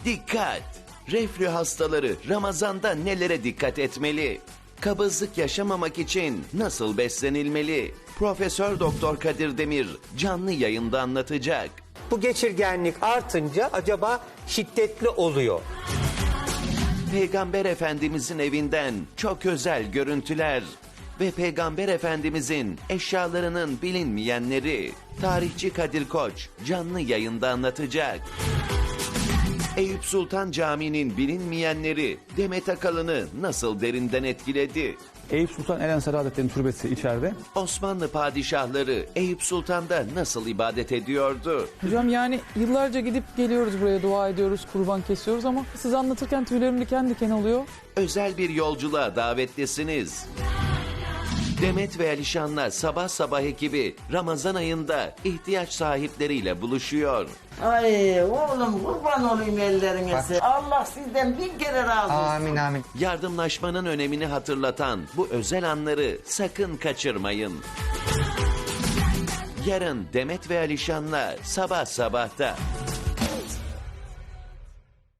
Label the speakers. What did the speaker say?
Speaker 1: Dikkat! Reflü hastaları Ramazan'da nelere dikkat etmeli? Kabızlık yaşamamak için nasıl beslenilmeli? Profesör Doktor Kadir Demir canlı yayında anlatacak.
Speaker 2: Bu geçirgenlik artınca acaba şiddetli oluyor.
Speaker 1: Peygamber Efendimizin evinden çok özel görüntüler ve Peygamber Efendimizin eşyalarının bilinmeyenleri. Tarihçi Kadir Koç canlı yayında anlatacak. Eyüp Sultan Camii'nin bilinmeyenleri Demet Akalın'ı nasıl derinden etkiledi?
Speaker 3: Eyüp Sultan El-Ensari Hazretleri'nin türbesi içeride.
Speaker 1: Osmanlı padişahları Eyüp Sultan'da nasıl ibadet ediyordu?
Speaker 4: Hocam yani yıllarca gidip geliyoruz buraya, dua ediyoruz, kurban kesiyoruz ama siz anlatırken tüylerim diken diken oluyor.
Speaker 1: Özel bir yolculuğa davetlisiniz. Demet ve Alişan'la sabah sabah ekibi Ramazan ayında ihtiyaç sahipleriyle buluşuyor.
Speaker 5: Ay oğlum kurban olayım ellerine. Allah sizden bin kere razı olsun.
Speaker 2: Amin amin.
Speaker 1: Yardımlaşmanın önemini hatırlatan bu özel anları sakın kaçırmayın. Yarın Demet ve Alişan'la sabah sabahta.